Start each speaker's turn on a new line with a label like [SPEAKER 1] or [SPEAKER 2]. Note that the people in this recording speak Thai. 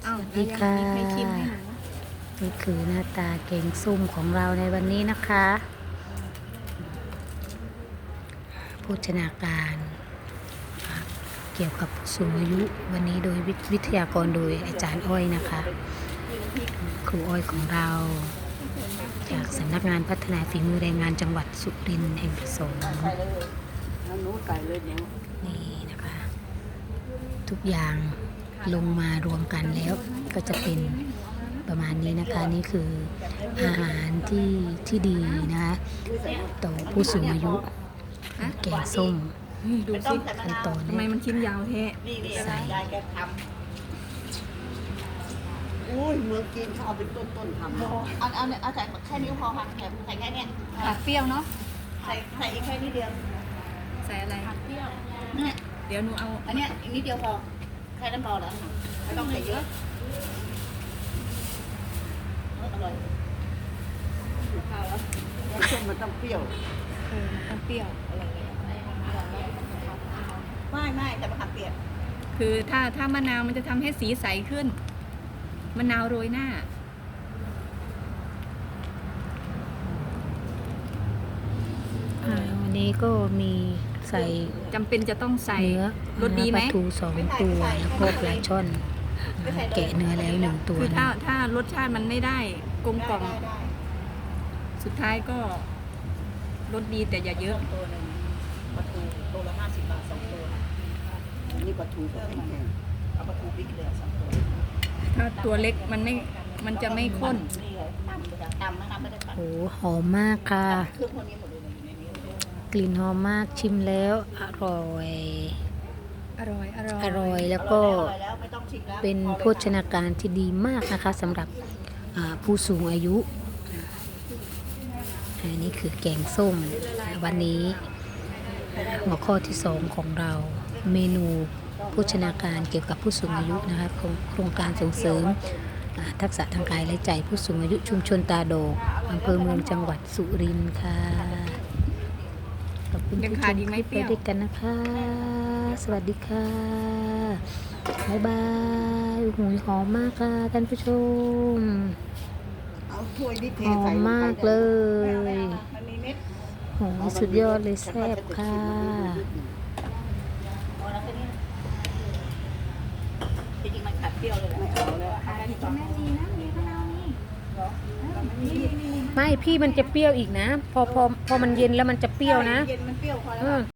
[SPEAKER 1] อ้าว
[SPEAKER 2] สวัสดีค่ะ
[SPEAKER 1] มีใครชิมให้หนู
[SPEAKER 2] นี่คือหน้าตาแกงส้มของเราในวันนี้นะคะโภชนาการเกี่ยวกับผู้สูงอายุวันนี้โดยวิทยากรโดยอาจารย์อ้อยนะคะครูอ้อยของเราจากสำนักงานพัฒนาฝีมือแรงงานจังหวัดสุรินทร์แห่งที่สองนี่นะคะ ทุกอย่างลงมารวมกันแล้วก็จะเป็นประมาณนี้นะคะ นี่คืออาหารที่ดีนะคะต่อผู้สูงอายุแกงส้ม
[SPEAKER 1] ดูสิ
[SPEAKER 2] ขั้นตอน
[SPEAKER 1] ทำไมมันชิ้นยาวแท้
[SPEAKER 2] ใส่
[SPEAKER 3] อุ้ยเมืองจีนเขาเอาเป็นต้นทำเอาใส่แค่นี้พอค่ะใส่แค่เนี้ย
[SPEAKER 1] ผักเปรี้ยวเนาะ
[SPEAKER 3] ใส่อีกแค่นิดเดียว
[SPEAKER 1] ใส่อะไรผักเปรี้ยว
[SPEAKER 3] เนี่ย
[SPEAKER 1] เดี๋ยวหนูเอา
[SPEAKER 3] อันเนี้ยอีกนิดเดียวพอแค่นั้นพอแล้วไม่ต้องใส่เยอะอร่อยข้าวแล้วส้มมันต้องเปรี้ยว
[SPEAKER 1] มันต้องเปรี้ยวอะไรเลย
[SPEAKER 3] ไม่แต่มะขามเปียก
[SPEAKER 1] คือถ้ามะนาวมันจะทำให้สีใสขึ้นมะนาวโรยหน้า
[SPEAKER 2] วันนี้ก็มีใส่
[SPEAKER 1] จำเป็นจะต้องใส่
[SPEAKER 2] เนื้อ
[SPEAKER 1] รสดีไหม
[SPEAKER 2] ปลาทู2 ตัวแล้วก็ปลาช่อนแกะเนื้อแล้ว1 ตัว
[SPEAKER 1] คือ
[SPEAKER 2] นะ
[SPEAKER 1] ถ้ารสชาติมันไม่ได้กลมกล่อม
[SPEAKER 3] ได้
[SPEAKER 1] สุดท้ายก็รสดีแต่อย่าเยอะ
[SPEAKER 3] ตัวหนึ่งปลาทูตัวละ50 บาท2 ตัวนี่ปลาทูเพิ่มมาเอาปลาทูบิ๊กเลย2 ตัว
[SPEAKER 1] ถ้าตัวเล็กมันจะไม่ข้น
[SPEAKER 3] นี่เลยตำนะคะไม่ได้ปั่น
[SPEAKER 2] โอ้หอมมากค่ะ
[SPEAKER 3] เครื่องพวกนี้หมดเลยอยู่ในนี้
[SPEAKER 2] กลิ่นหอมมากชิมแล้วอร่อย
[SPEAKER 1] อร่อย
[SPEAKER 2] อร่อยแล้วก็
[SPEAKER 3] อร่อยแล้วไม่ต้องชิมแล้ว
[SPEAKER 2] เป็นโภชนาการที่ดีมากนะคะสำหรับผู้สูงอายุอันนี้คือแกงส้มวันนี้หัวข้อที่2ของเราเมนูโภชนาการเกี่ยวกับผู้สูงอายุนะคะโครงการส่งเสริมทักษะทางกายและใจผู้สูงอายุชุมชนตาโดกอำเภอเมืองจังหวัดสุรินทร์ค่ะขอบคุณ
[SPEAKER 1] ยัง
[SPEAKER 2] ที่ช
[SPEAKER 1] ขาด
[SPEAKER 2] ม
[SPEAKER 1] อีก
[SPEAKER 2] ค
[SPEAKER 1] ไหม
[SPEAKER 2] ลิป
[SPEAKER 1] เปรี้ยว
[SPEAKER 2] ไปด้วยกันนะคะ สวัสดีค่ะบ๊ายบายหูยหอมมากค่ะท่านผู้ชม
[SPEAKER 3] เอาถ้วยนี่เท
[SPEAKER 2] หอ
[SPEAKER 3] ใส่
[SPEAKER 2] ม
[SPEAKER 3] ลงไป
[SPEAKER 2] มากเลย
[SPEAKER 3] มันมีเม็ด
[SPEAKER 2] โหสุดยอดเลยแซ่บค่ะ
[SPEAKER 3] พอแล้วแค่นี้จริงๆมันขัดเปรี้ยวเลยไม่เอาแล้ว
[SPEAKER 1] แม่ดีนะมีมะนาวนี่
[SPEAKER 2] ไม่พี่มันจะเปรี้ยวอีกนะ พอมันเย็นแล้วมันจะเปรี้ยวนะ
[SPEAKER 3] เย็นมันเปรี้ยวพอแล้ว
[SPEAKER 2] อืม